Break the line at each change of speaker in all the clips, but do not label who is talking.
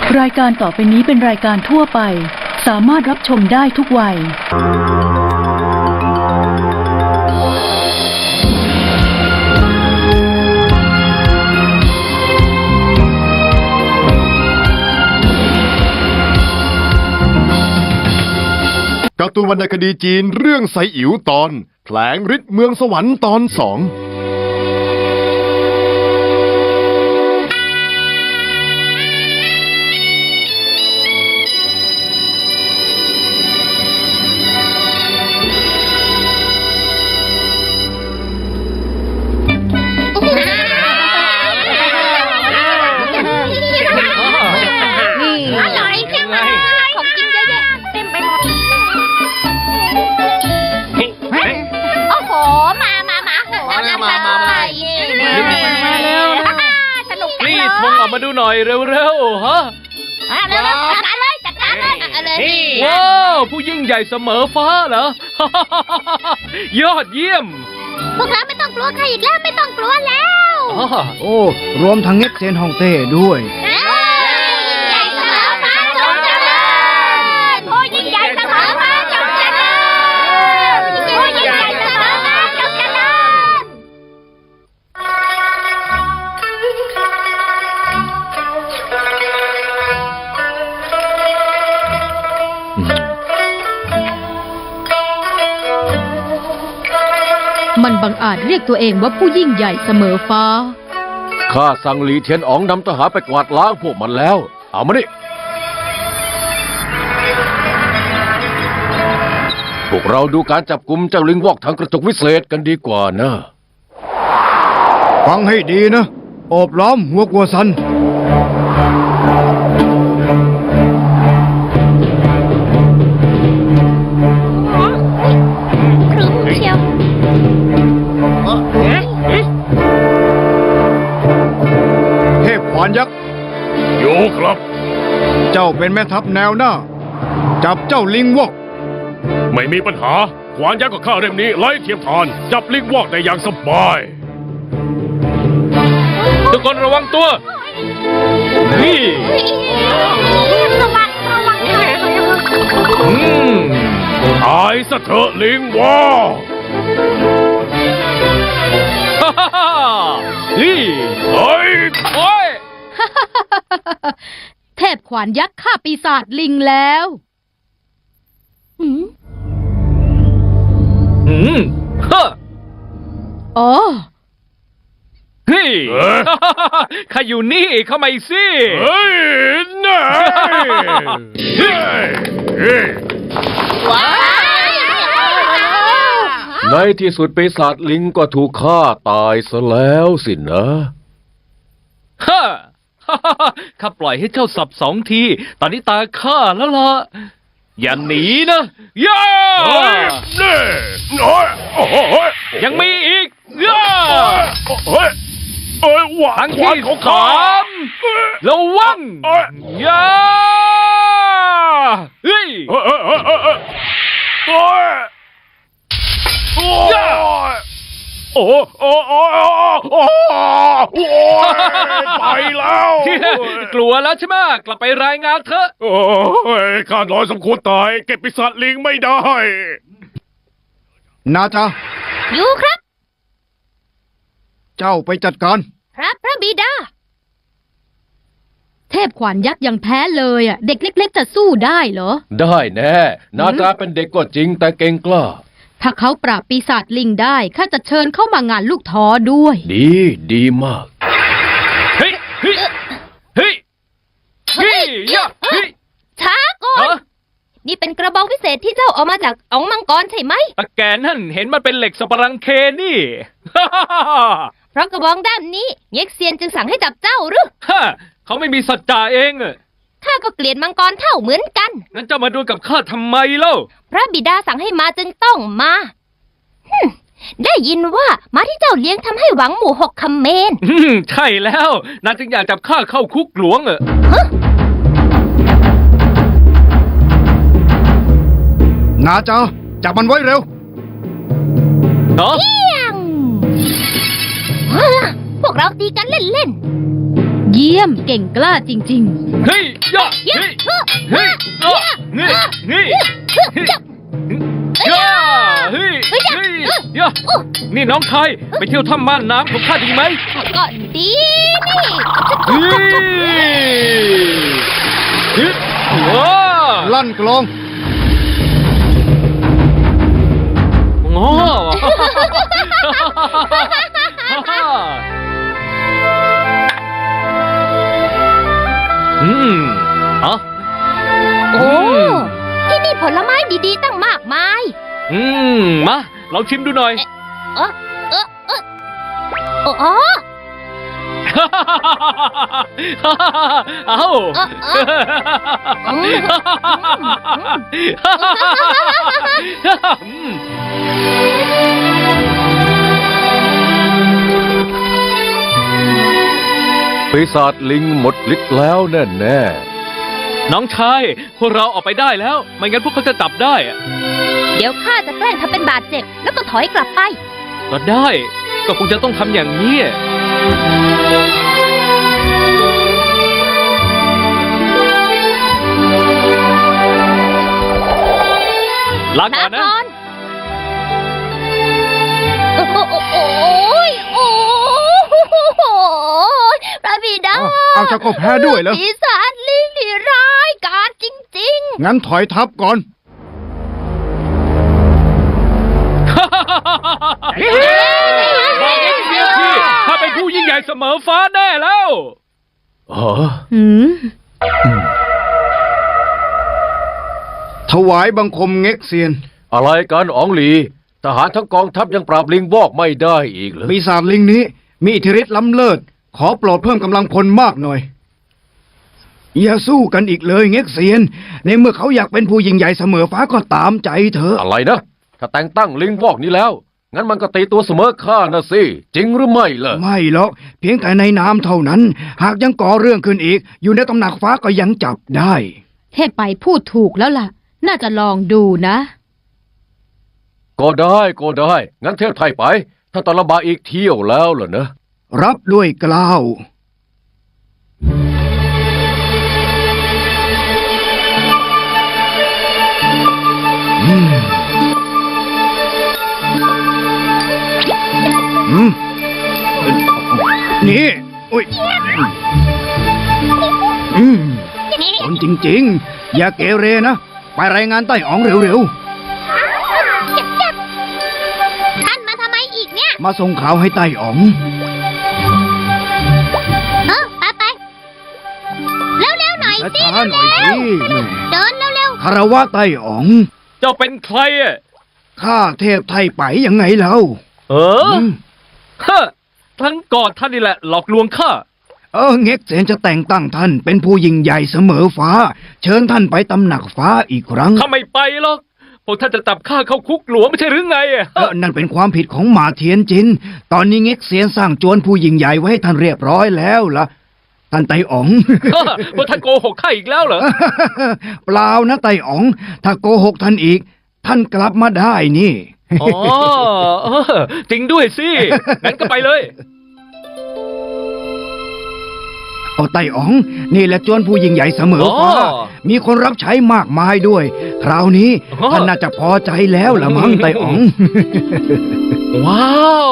รายการต่อไปนี้เป็นรายการทั่วไปสามารถรับชมได้ทุกวัย
การ์ตูนวรรณคดีจีนเรื่องไซอิ๋วตอนแผลงฤทธิ์เมืองสวรรค์ตอน2
มาดูหน่อยเร็วๆฮะ
จัดการเลย
ว้าวผู้ยิ่งใหญ่เสมอฟ้าเหรอ ยอดเยี่ยม
พวกเราไม่ต้องกลัวใครอีกแล้วไม่ต้องกลัวแล้ว
โอ้รวมทั้งเง็กเซียนฮ่องเต้ด้วย
ยิ่งใหญ่เสมอฟ้าจงเจริญผู้ยิ่งใหญ่เสมอฟ้าจงเจริญผู้ยิ่งใหญ่เสมอฟ้าจงเจริญ
มันบังอาจเรียกตัวเองว่าผู้ยิ่งใหญ่เสมอฟ้า
ข้าสั่งหลีเทียนอ๋องนำทหารไปกวาดล้างพวกมันแล้วเอามาดิพวกเราดูการจับกุมเจ้าลิงวอกทางกระจกวิเศษกันดีกว่านะ
ฟังให้ดีนะโอบล้อมหัวกัวซันเทพขวานยักษ์
อยู่ครับ
เจ้าเป็นแม่ทัพแนวหน้าจับเจ้าลิงวอก
ไม่มีปัญหาขวานยักษ์กับข้าเล่มนี้ไร้เทียมทานจับลิงวอกได้อย่างสบาย
ทุกคนระวังตัวนี่
ระวัง
ตายซะเถอะลิงวอก
นี่
เฮ้ย
โอ้ย
เทพขวานยักษ์ฆ่าปีศาจลิงแล้ว
ฮะ
อ๋อ
เฮ้ยข้าอยู่นี่เข้ามาอีกสิ
เฮ้ยน่า
ว้าว
ในที่สุดปีศาจลิงก็ถูกฆ่าตายซะแล้วสินะ
ฮะข้าปล่อยให้เจ้าสับ2 ทีตอนนี้ตาข้าแล้วล่ะอย่าหนีนะย่ายังมีอีกย่าครั้งที่3ระวังย่าเฮ้ยย่า
โอ้ไปแล้ว
กลัวแล้วใช่ไหมกลับไปรายงานเถอะ
โอ้ยข้าน้อยสมควรตายเก็บปีศาจลิงไม่ได้
นาจา
อยู่ครับ
เจ้าไปจัดการ
ครับพระบิดา
เทพขวานยักษ์ยังแพ้เลยอ่ะเด็กเล็กๆจะสู้ได้เหรอ
ได้แน่นาจาเป็นเด็กก็จริงแต่เก่งกล้า
ถ้าเขาปราบปีศาจลิงได้ข้าจะเชิญเข้ามางานลูกท้อด้วย
ดีมาก
เฮ้ย
ช้าก่อนนี่เป็นกระบองพิเศษที่เจ้าเอามาจากอ๋องมังกรใช่ไหม
ตะแกนนั่นเห็นมันเป็นเหล็กสับปะรังเคนี่
เพราะกระบองด้านนี้เง็กเซียนจึงสั่งให้จับเจ้าหรือ
เขาไม่มีสัจจะเอง
ข้าก็เกลียดมังกรเท่าเหมือนกัน
งั้นเจ้ามาดูกับข้าทำไมเล่า
พระบิดาสั่งให้มาจึงต้องมาได้ยินว่าม้าที่เจ้าเลี้ยงทำให้หวังหมู่6 คำเมน
ใช่แล้วนางจึงอยากจับข้าเข้าคุกหลวง
นาจาจับมันไว้เร็ว
เนาะ
พวกเราตีกันเล่นๆ
เยี่ยมเก่งกล้าจริง
เฮ้ยยะเฮ้ยเฮ้ยนี่นี่ยะเฮ้ยเฮ้ยยะนี่น้องชายไปเที่ยวถ้ำม่านน้ำของข้าดีไหม
ก็ดีนี่
เฮ้ยว้า
ลั่นกลอง
โง่อ๋อ
โอ้ที่นี่ผลไม้ดีๆตั้งมากมาย
มาลองชิมดูหน่อย
โอ้โอ้
เอ้า
ปีศาจลิงหมดฤทธิ์แล้วแน่แน่
น้องชายพวกเราออกไปได้แล้ว ไม่งั้นพวกเขาจะจับได้อะ
เดี๋ยวข้าจะแกล้งทำเป็นบาดเจ็บแล้วก็ถอยกลับไป
ก็ได้ ก็คงจะต้องทำอย่างนี้ ลาก่อนนะ
โอ้โหโอ้โหพระบิดา
เอาเจ้าก็แพ้ด้วยเหรอ
ปีศาจลิงที่ร้ายกาจจริง
งั้นถอยทับก่อน
บอกเองเดียวที่ถ้าเป็นผู้ยิ่งใหญ่เสมอฟ้าแน่แล้ว
ๆอ๋อ
ๆ หืม
ถวายบังคมเง็กเซียน
อะไรกันอ๋องหลี ทหารทั้งกองทัพยังปราบลิงวอกไม่ได้อีกเหรอ
ปีศาจลิงนี้มีอิทธิฤทธิ์ล้ำเลิศ ขอโปรดเพิ่มกำลังพลมากหน่อย อย่าสู้กันอีกเลยเง็กเซียน ในเมื่อเขาอยากเป็นผู้ยิ่งใหญ่เสมอฟ้าก็ตามใจเธอ
อะไรนะ ถ้าแต่งตั้งลิงวอกนี้แล้ว งั้นมันก็ตีตัวเสมอข้านะสิ จริงหรือไม่ล่ะ
ไม่หรอกเพียงแต่ในน้ำเท่านั้น หากยังก่อเรื่องขึ้นอีก อยู่ในตำหนักฟ้าก็ยังจับได้
เทพไปพูดถูกแล้วล่ะ น่าจะลองดูนะ
ก็ได้ก็ได้ งั้นเทพไทยไป ถ้าตอนลำบากอีกเที่ยวแล้วเหรอนะ
รับด้วยเกล้าว นี่อุ้ยคนจริงๆ อย่าเกเรนะ ไปรายงานไต้อ๋องเร็ว
ๆ ท่านมาทำไมอีกเนี่ย
ๆ มาส่งข่าวให้ไต้อ๋อง
ไปเร็วๆหน่อยสิ
ช้าๆหน่อยสิแหม่
เดินเร็ว
คารวะไต้อ๋อง
เจ้าเป็นใครอ่ะ
ข้าเทพไทยไปยังไงเล่า
เออฮะทั้งกอดท่านนี่แหละหลอกลวงข้า
เง็กเซนจะแต่งตั้งท่านเป็นผู้ยิ่งใหญ่เสมอฟ้า เชิญท่านไปตำหนักฟ้าอีกครั้ง
ข้าไม่ไปหรอก พวกท่านจะจับข้าเข้าคุกหลวงไม่ใช่หรือไงอ่ะ
นั่นเป็นความผิดของหมาเทียนจิน ตอนนี้เง็กเซียนสร้างจวนผู้ยิ่งใหญ่ไว้ให้ท่านเรียบร้อยแล้วล่ะ ท่านไต้อ๋อง
พวกท่านโกหกข้าอีกแล้วเหรอ
เปล่านะไต้อ๋อง ถ้าโกหกท่านอีก ท่านกลับมาได้นี่
อ๋อจริงด้วยสิ งั้นก็ไปเลย
ไต้อ๋อง นี่แหละจวนผู้ยิ่งใหญ่เสมอฟ้า
อ๋อ
มีคนรับใช้มากมายด้วย คราวนี้
อ๋อ
ท่านน่าจะพอใจแล้วละมั้งไต้อ๋อง
ว้าว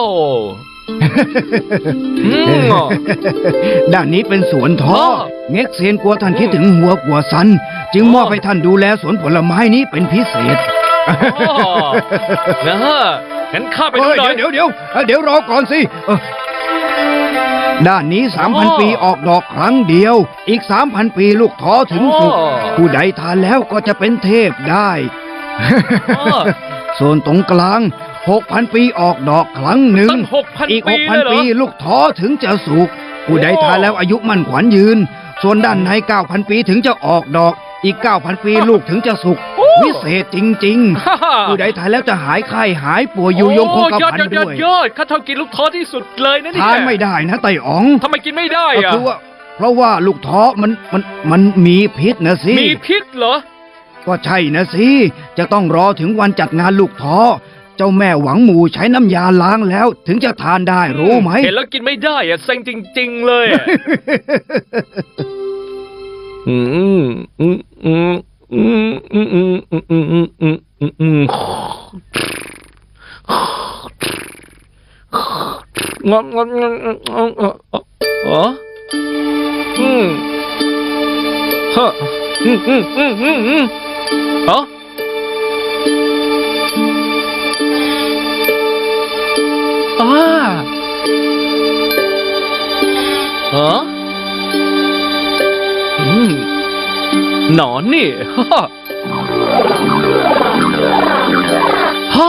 อืม
ด้านนี้เป็นสวนท้อ
อ๋อ
เง็กเซียนกลัวท่านคิดถึงหัวกลัวซัน จึงมอบให้ท่านดูแลสวนผลไม้นี้เป็นพิเศษ
นะฮะงั้นข้าไปดูหน่อย
เดี๋ยวรอก่อนสิด้านนี้ 3,000 ปีออกดอกครั้งเดียว อีก 3,000 ปีลูกท้อถึงสุก
อ๋อ
ผู้ใดทานแล้วก็จะเป็นเทพได้
อ๋อ
ส่วนตรงกลาง 6,000 ปีออกดอกครั้งหนึ่ง
ตั้ง6,000
อีก
ปีเลยเหร
6,000
อ
ปีลูกท้อถึงจะสุก ผู้ใดทานแล้วอายุมั่นขวัญยืน ส่วนด้านใน 9,000 ปีถึงจะออกดอก อีก 9,000 ปีลูกถึงจะสุก วิเศษจริง ๆ ผู้ใดทานแล้วจะหายไข้หายป่วยอยู่ยงคงกระ
โยอด
พัน
ยอด
ด้วย
ยอดข้าชอบกินลูกท้อที่สุดเลยนะเนี่ย
ทานไม่ได้นะไต่อ๋อง
ทำไมกินไม่ได้
ก็
อ่ะ
คือว่าเพราะว่าลูกท้อมันมีพิษนะสิ
มีพิษเหรอ
ก็ใช่นะสิจะต้องรอถึงวันจัดงานลูกท้อเจ้าแม่หวังหมู่ใช้น้ำยาล้างแล้วถึงจะทานได้รู้ไหม
เห็นแล้วกินไม่ได้อะเซ็งจริง ๆ เลยอะอืมอืมอืมอืมอืมอืมอืมอืมอืมอืมอืมงอนงอนงอนอ๋ออืมฮะอืมอืมอืมอืมอืมอ๋ออ่าฮะอืมหนอนนี่ฮ่าฮ่า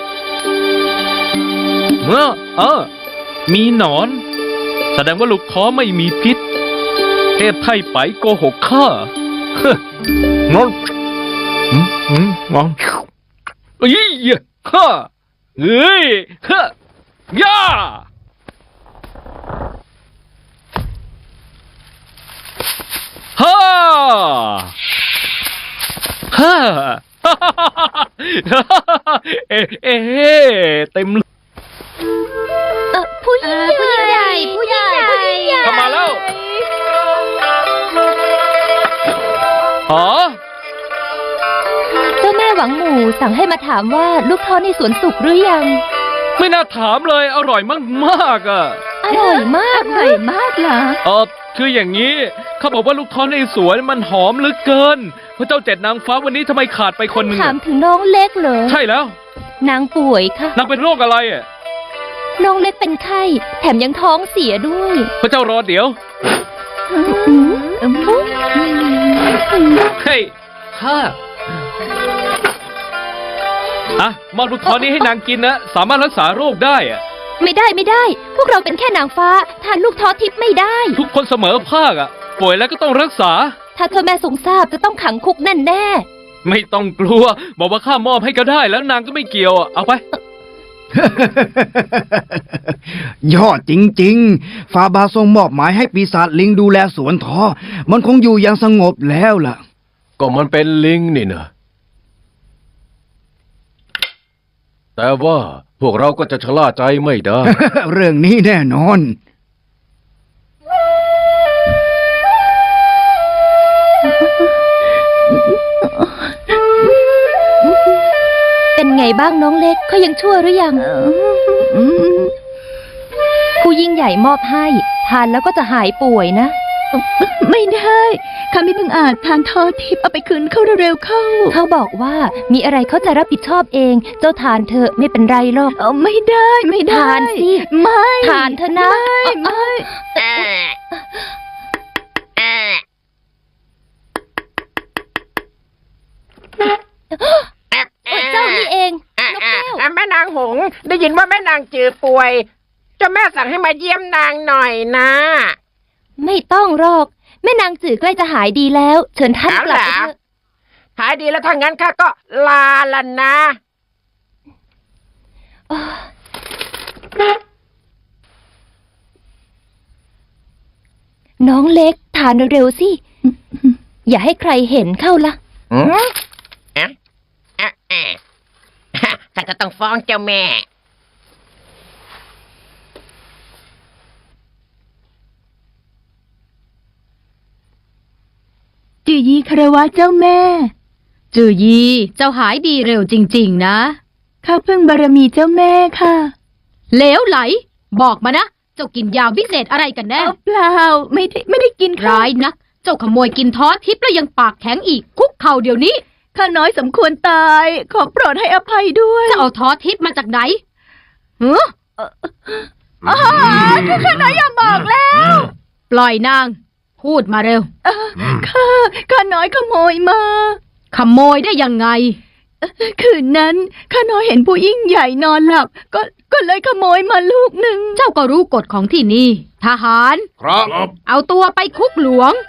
มีหนอน แสดงว่าลูกท้อไม่มีพิษเทพไทยไปโกหกข้าเฮ้งอนงอนเอ้ยฮ่าเอ้ยฮ่าย่าฮ่าฮ่าเอ๊เต็ม
ผู้ยิ่งใหญ่ผู้ยิ่งใหญ่
เข้ามาแล้วอ๋อ
เจ้าแม่หวังหมู่สั่งให้มาถามว่าลูกท้อในสวนสุกหรือยัง
ไม่น่าถามเลยอร่อยมากๆอ่ะ
อร่อยมากเลยมากเหรอ
คืออย่างนี้เขาบอกว่าลูกท้อในสวนมันหอมเหลือเกินพระเจ้าเจ็ดนางฟ้าวันนี้ทำไมขาดไปคนหนึ่ง
ถามถึงน้องเล็กเหรอ
ใช่แล้ว
นางป่วยค่ะ
นางเป็นโรคอะไรอ่ะ
น้องเล็กเป็นไข้แถมยังท้องเสียด้วย
พระเจ้ารอเดี๋ยวเฮ้ยข้ามอบลูกท้อนี้ให้นางกินนะสามารถรักษาโรคได้อ่ะ
ไม่ได้ พวกเราเป็นแค่นางฟ้าทานลูกท้อทิพย์ไม่ได้
ทุกคนเสมอภาคอ่ะป่วยแล้วก็ต้องรักษา
ถ้าเธอแม่ทรงทราบจะต้องขังคุกแน่
ไม่ต้องกลัว บอกว่าข้ามอบให้ก็ได้แล้วนางก็ไม่เกี่ยวอ่ะเอาไป
ยอดจริงๆ ฟาบาทรงมอบหมายให้ปีศาจลิงดูแลสวนท้อมันคงอยู่อย่างสงบแล้วล่ะ
ก็มันเป็นลิงนี่นะแต่ว่าพวกเราก็จะชะล่าใจไม่ได้
เรื่องนี้แน่นอน
ๆ เป็นไงบ้างน้องเล็กเขายังชั่วหรือยัง ผู้ยิ่งใหญ่มอบให้ทานแล้วก็จะหายป่วยนะ
ไม่ได้ข้าไม่เพิ่งอาจทานทอทิพย์เอาไปคืนเขาเร็วๆเข้า
เขาบอกว่ามีอะไรเขาจะรับผิดชอบเอง เจ้าทานเถอะไม่เป็นไรหรอก
เอาไม่ได้ไม่ได้
ทานสิ
ไม่
ทานเถอะนะ
ไม่
เจ้านี่เองนกแก้ว
แม่นางหงส์ได้ยินว่าแม่นางจือป่วยเจ้าแม่สั่งให้มาเยี่ยมนางหน่อยนะ
ไม่ต้องหรอกแม่นางจือใกล้จะหายดีแล้ว เชิญท่านกลับไปเถอะ
หายดีแล้วถ้างั้นข้าก็ลาละนะ
น้องเล็กทานเร็วๆสิ อย่าให้ใครเห็นเข้าละ
ข้าจะต้องฟ้องเจ้าแม่
จือยีคารวะเจ้าแม่
จือยี เจ้าหายดีเร็วจริง ๆ นะ
ข้าพึ่งบารมีเจ้าแม่ค่ะ
เหลวไหล บอกมานะ เจ้ากินยาวิเศษอะไรกันแน่
เปล่าไม่ได้กินค่ะ
ร้ายนัก เจ้าขโมยกินท้อทิพย์แล้วยังปากแข็งอีก คุกเข่าเดี๋ยวนี้
ข้าน้อยสมควรตาย ขอโปรดให้อภัยด้วย
จะเอาท้อทิพย์มาจากไหนเฮ้อ
ข้าน้อยอย่าบอกแล้ว
ปล่อยนาง พูดมาเร็ว
ข้าน้อยขโมยมา
ขโมยได้ยังไง
คืนนั้นข้าน้อยเห็นผู้ยิ่งใหญ่นอนหลับ ก็เลยขโมยมาลูกหนึ่ง
เจ้าก็รู้กฎของที่นี่ ทหาร
ครับ
เอาตัวไปคุกหลวง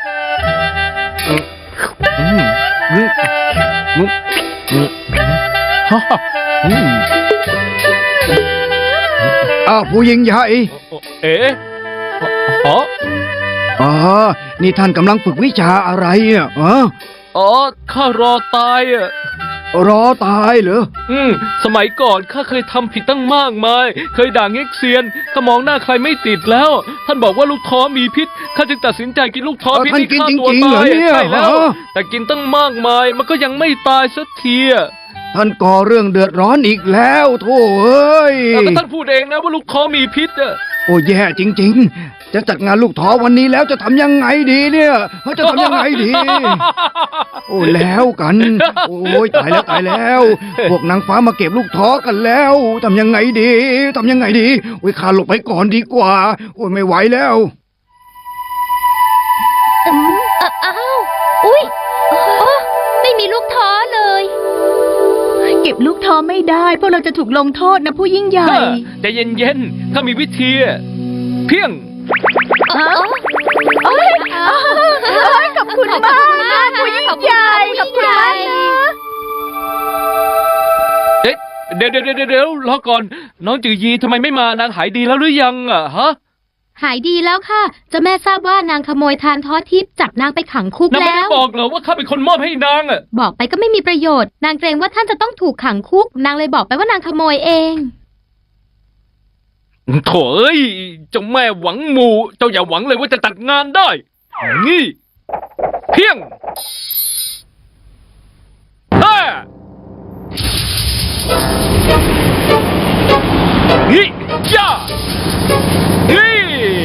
ผู้หญิงใหญ่
เอ๊ะอ๋อ
อ๋อ นี่ท่านกำลังฝึกวิชาอะไรอ่ะ
อ๋อข้ารอตายอ่ะ
รอตายเหรอ
สมัยก่อนข้าเคยทำผิดตั้งมากมาย เคยด่าเง็กเซียนข้ามองหน้าใครไม่ติดแล้ว ท่านบอกว่าลูกท้อมีพิษข้าจึงตัดสินใจกินลูกท้อพิษ
ท่าน
ที่ฆ่า
กิน
ตัว
จริงๆเหร
ตา
อย เนี่ย
ใช่แล้ว
ฮะ
แต่กินตั้งมากมายมันก็ยังไม่ตายสักทีอะ
ท่านก่อเรื่องเดือดร้อนอีกแล้วโถ่เอ้ย
แต่ท่านพูดเองนะว่าลูกท้อมีพิษอะ
โอ้แย่จริง ๆ จะจัดงานลูกท้อวันนี้แล้วจะทำยังไงดีเนี่ยจะทำยังไงดี โอ้แล้วกัน โอ้ยตายแล้วตายแล้ว พวกนางฟ้ามาเก็บลูกท้อกันแล้วทำยังไงดีทำยังไงดีโอ้ยข้าหลบไปก่อนดีกว่า โอ้ยไม่ไหวแล้ว
อ้าวอุ้ยไม่มีลูกท้อเลย
เก็บลูกท้อไม่ได้พวกเราจะถูกลงโทษนะผู้ยิ่งใหญ่
ใจเย็นๆข้ามีวิธีอะเพียง
ขอบคุณมากนะผู้ยิ่งใหญ่ขอบคุณมากนะ
เอ๊ะเดี๋ยวรอก่อน น้องจือยีทำไมไม่มานางหายดีแล้วหรือยังอะฮะ
หายดีแล้วค่ะเจ้าแม่ทราบว่านางขโมยทานท้อทิพย์จับนางไปขังคุก
นางไม่
แล้
ได้
ว
บอกเหรอว่าข้าเป็นคนมอบให้นางอะ
บอกไปก็ไม่มีประโยชน์ นางเกรงว่าท่านจะต้องถูกขังคุก นางเลยบอกไปว่านางขโมยเอง
โถ่เอ้ยเจ้าแม่หวังหมู่เจ้าอย่าหวังเลยว่าจะตัดงานได้ นี่เพียงฮ่านี่ย่านี่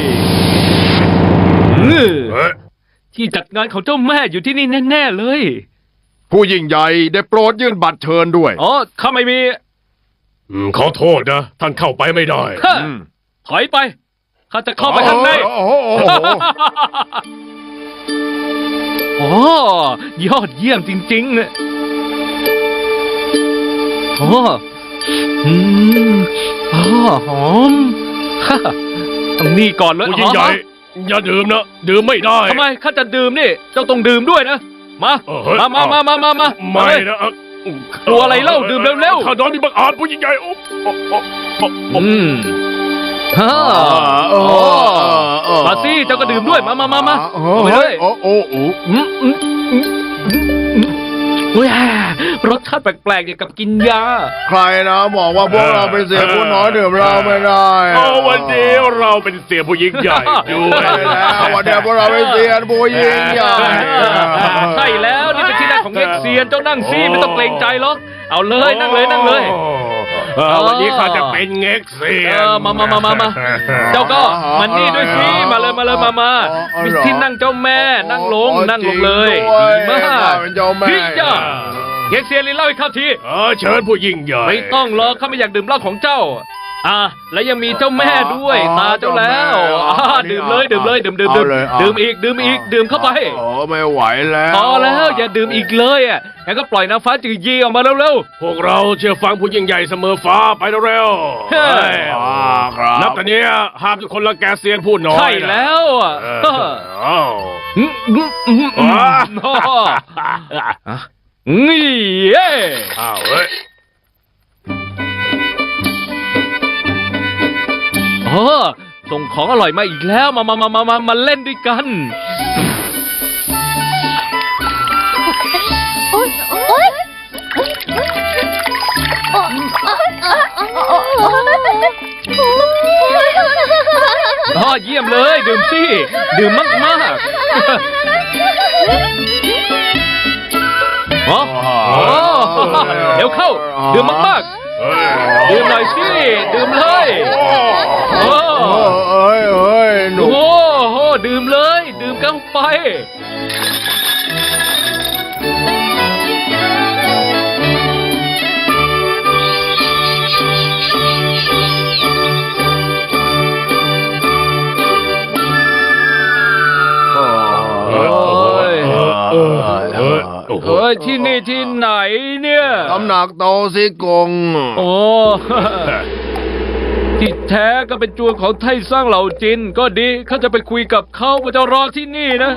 ที่จัดงานของเจ้าแม่อยู่ที่นี่แน่ๆเลย
ผู้ยิ่งใหญ่ได้โปรดยื่นบัตรเชิญด้วย
อ๋อข้าไม่มี
ขอโทษนะ ท่านเข้าไปไม่ได้
ฮะถอยไปข้าจะเข้าไปข้างใน
โอ้โห
โอ้ยอดเยี่ยมจริงๆโอ้หอมฮ่าต้องนี่ก่อนเลย
ผู้ยิ่งใหญ่ อย่าดื่มนะ ดื่มไม่ได้
ทำไมข้าจะดื่มนี่ เจ้าต้องดื่มด้วยนะ มา มา
ไม่นะ
กลัวอะไรเล่าดื่มเร็วๆ
ข้าน้อยมีบังอาจผู้ยิ่งใหญ่อุ๊บ
ฮ่ามาสิเจ้าก็ดื่มด้วย มาเอาไปเลย
โอ้โห
อุ้ยรสชาติแปลกๆอย่างกับกินยา
ใครนะบอกว่าพวกเราเป็นเสียผู้น้อยดื่มเราไม่ได้
วันนี้เราเป็นเสียผู้ยิ่งใหญ่ด้วย
ใช่แล้ววันนี้พวกเราเป็นเสียผู้ยิ่งใหญ่
ใช่แล้วนี่เป็นที่นั่งของเง็กเซียนเจ้านั่งสิไม่ต้องเกรงใจหรอกเอาเลยนั่งเลย
วันนี้ข้าจะเป็นเง็กเซียน
มาเจ้าก็มันนี่ด้วยสิมาเลยมีที่นั่งเจ้าแม่นั่งลงเลยดีมาก
เป็นเจ้าแม่
พี่จ้าเง็กเซียนลินเล่าให้ข้าที
เชิญผู้ยิ่งใหญ่
ไม่ต้องหรอกข้าไม่อยากดื่มเหล้าของเจ้าและยังมีเจ้าแม่ด้วยตาเจ้าแล้วดื่มเลยดื่มอีกดื่มเข้าไป
โอ้ไม่ไหวแล้ว
พอแล้วอย่าดื่มอีกเลยงั้นก็ปล่อยนางฟ้าจือยีออกมาเร็ว
พวกเราเชื่อฟังผู้ยิ่งใหญ่เสมอฟ้าไปเร็ว
เฮ้ย
ครับ
นับแต่นี้ห้ามทุกคนรังแกเซียนผู้น้อย
ใช่แล้วนี่เย้
อ้าวเฮ้ย
ส่งของอร่อยมาอีกแล้วมาเล่นด้วยกัน
โอ๊ย
เยี่ยมเลยดื่มสิดื่มมากเดี๋ยวเข้าดื่มมากๆดื่มหน่อยสิดื่มเลย
หนู
โอ้โหดื่มเลยดื่มกันไปที่นี่ที่ไหนเนี่ย
ตำหนักโตซิกง
โอ้ ที่แท้ก็เป็นจวนของไทสร้างเหล่าจินก็ดีเขาจะไปคุยกับเขาว่าจะรอที่นี่นะ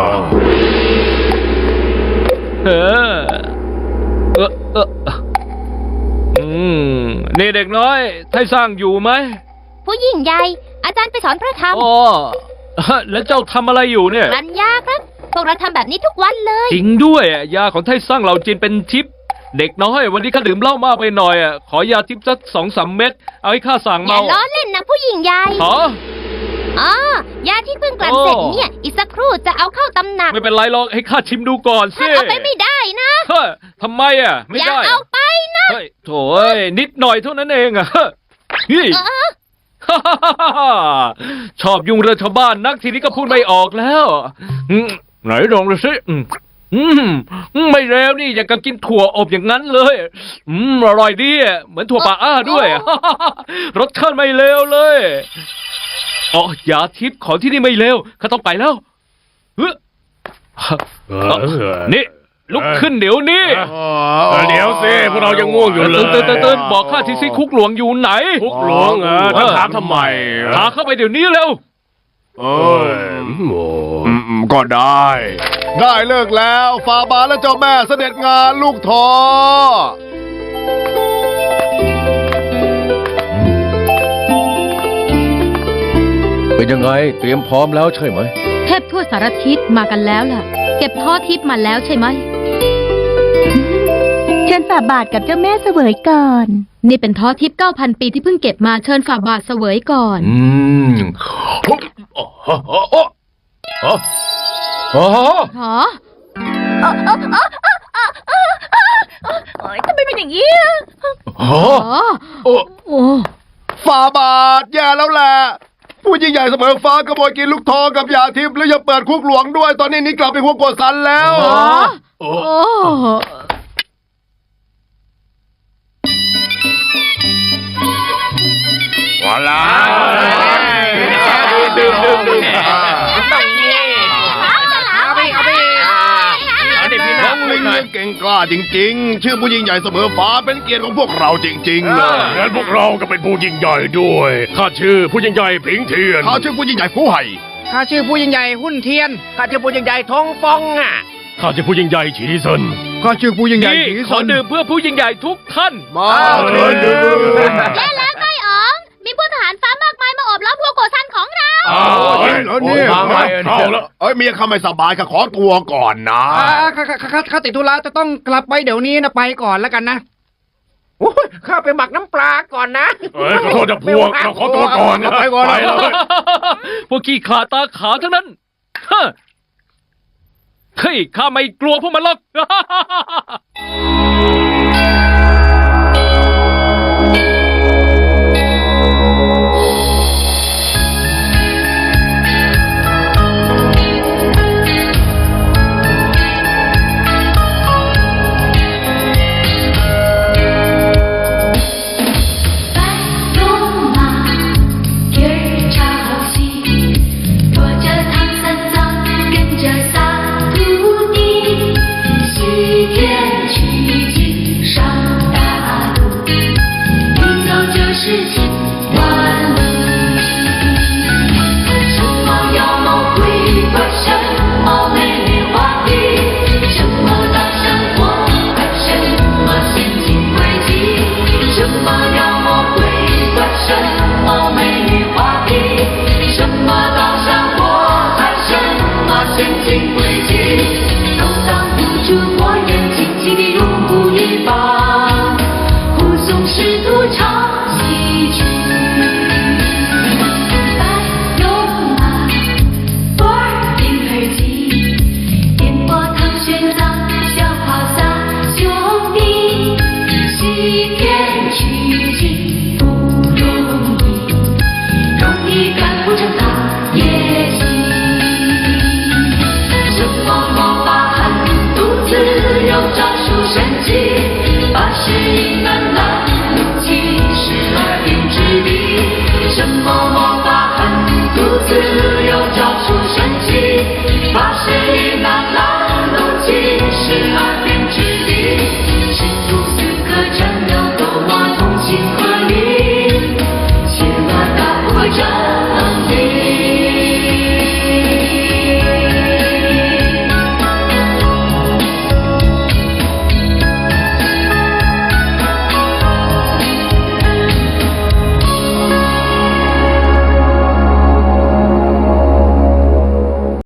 นี่เด็กน้อยไทสร้างอยู่ไหม
ผู้ยิ่งใหญ่อาจารย์ไปสอนพระธรรม
อ๋อแล้วเจ้าทำอะไรอยู่เนี่ย
รัญญาครับพวกเราทำแบบนี้ทุกวันเลย
จริงด้วยยาของไทสร้างเหล่าจินเป็นทิพย์เด็กน้อยวันนี้ข้าดื่มเหล้ามากไปหน่อยอ่ะขอยาทิพย์สัก2-3 เม็ดเอาให้ข้าสั่ง
อย่า
เมา
ล้อเล่นนะผู้หญิงใหญ่
ขอ
อ๋อยาที่เพิ่งกลั่นเสร็จเนี่ย อีกสักครู่จะเอาเข้าตำหนัก
ไม่เป็นไรหรอกให้ข้าชิมดูก่อนสิ
ท่านเอาไปไม่ได้นะ
เฮ้ยทำไมอ่ะไม่
อย่า
ได้
เอาไปนะ
เฮ้ยโถ่เอ้ยนิดหน่อยเท่านั้นเองอ่ะเฮ้ยนี่ ชอบยุ่งเรื่องชาวบ้านนักทีนี้ก็พูดไม่ออกแล้วไหนลองดูสิไม่เร็วนี่อย่างกับกินถั่วอบอย่างนั้นเลยอร่อยดีอ่ะเหมือนถั่วป่าอ้าด้วย รสชาติไม่เลวเลยอ๋อยาทิพย์ของที่นี่ไม่เลวข้าต้องไปแล้วนี่ลุกขึ้นเดี๋ยวนี้
เดี๋ยวสิพวกเรายังง่วงอยู่เลย
ตื่นบอกข้าทีสิคุกหลวงอยู่ไหน
คุกหลวงถามทำไม
พาเข้าไปเดี๋ยวนี้เร็ว
ก็ได้ ได้เลิกแล้วฟาบาและเจ้าแม่เสด็จงานลูกทอ
เป็นยังไงเตรียมพร้อมแล้วใช่ไหม
เทพทั่วสารทิศมากันแล้วล่ะ เก็บท้อทิพย์มาแล้วใช่ไหม
เชิญฝ่าบาทกับเจ้าแม่เสวยก่อน
นี่เป็นท้อทิพย์ 9,000 ปีที่เพิ่งเก็บมาเชิญฝ่าบาทเสวยก่อน หอ
ทำไมเป็นอย่างนี้
หอ โอ้
ฟาบาทแย่แล้วแหละ ผู้ยิ่งใหญ่เสมอฟ้าขโมยกินลูกทองกับยาทิพย์แล้วยังเปิดคุกหลวงด้วย ตอนนี้นี่กลับไปคุกกดสันแล้ว
โอ้
ว้าลา
ดื่มต้องนี่เอาไปเอาดิพี่น้
น้
อ
อง งลิงเนี่ยเก่งกล้าจริงๆ ชื่อผู้ยิ่งใหญ่เสมอฟ้าเป็นเกียรติของพวกเราจริงๆเลย
งั้นพวกเราก็เป็นผู้ยิ่งใหญ่ด้วยข้าชื่อผู้ยิ่งใหญ่ผิงเทียน
เขาชื่อผู้ยิ่งใหญ่ผู้ไห่
ข้าชื่อผู้ยิ่งใหญ่หุ้นเทียน
ข้าชื่อผู้ยิ่งใหญ่ทงฟงอ่ะ
ข้าชื่อผู้ยิ่งใหญ่ฉีเซิน
ข้าชื่อผู้ยิ่งใหญ่
นี่
ผี
ข
ส
อน ดื่มเพื่อผู้ยิ่งใหญ่ทุกท่าน
มาเชิญดื่ม
และแล้วไต้อ๋อง มีพลทหารฟ้ามากมายมาอบล้อมพวกโกซันของเรา
แล้วเนี่ย
เอาแล้ว
เมียข้าไม่สบายข้าขอตัวก่อนนะ
ข้าติดธุระจะต้องกลับไปเดี๋ยวนี้นะไปก่อนแล้วกันนะ
โอ้ยข้าไปหมักน้ำปลาก่อนนะ
ขอโทษนะพวกเราขอตัวก่อนนะ
ไปก่อน
ไปแล้ว
พวกขี้ขลาดตาขาวทั้งนั้นเฮ้ยข้าไม่กลัวพวกมันหรอก
事情完了，什么妖魔鬼怪，什么美丽华丽，什么大山火海，什么陷阱诡计，什么妖魔鬼怪，什么美丽华丽，什么大山火海，什么陷阱诡计。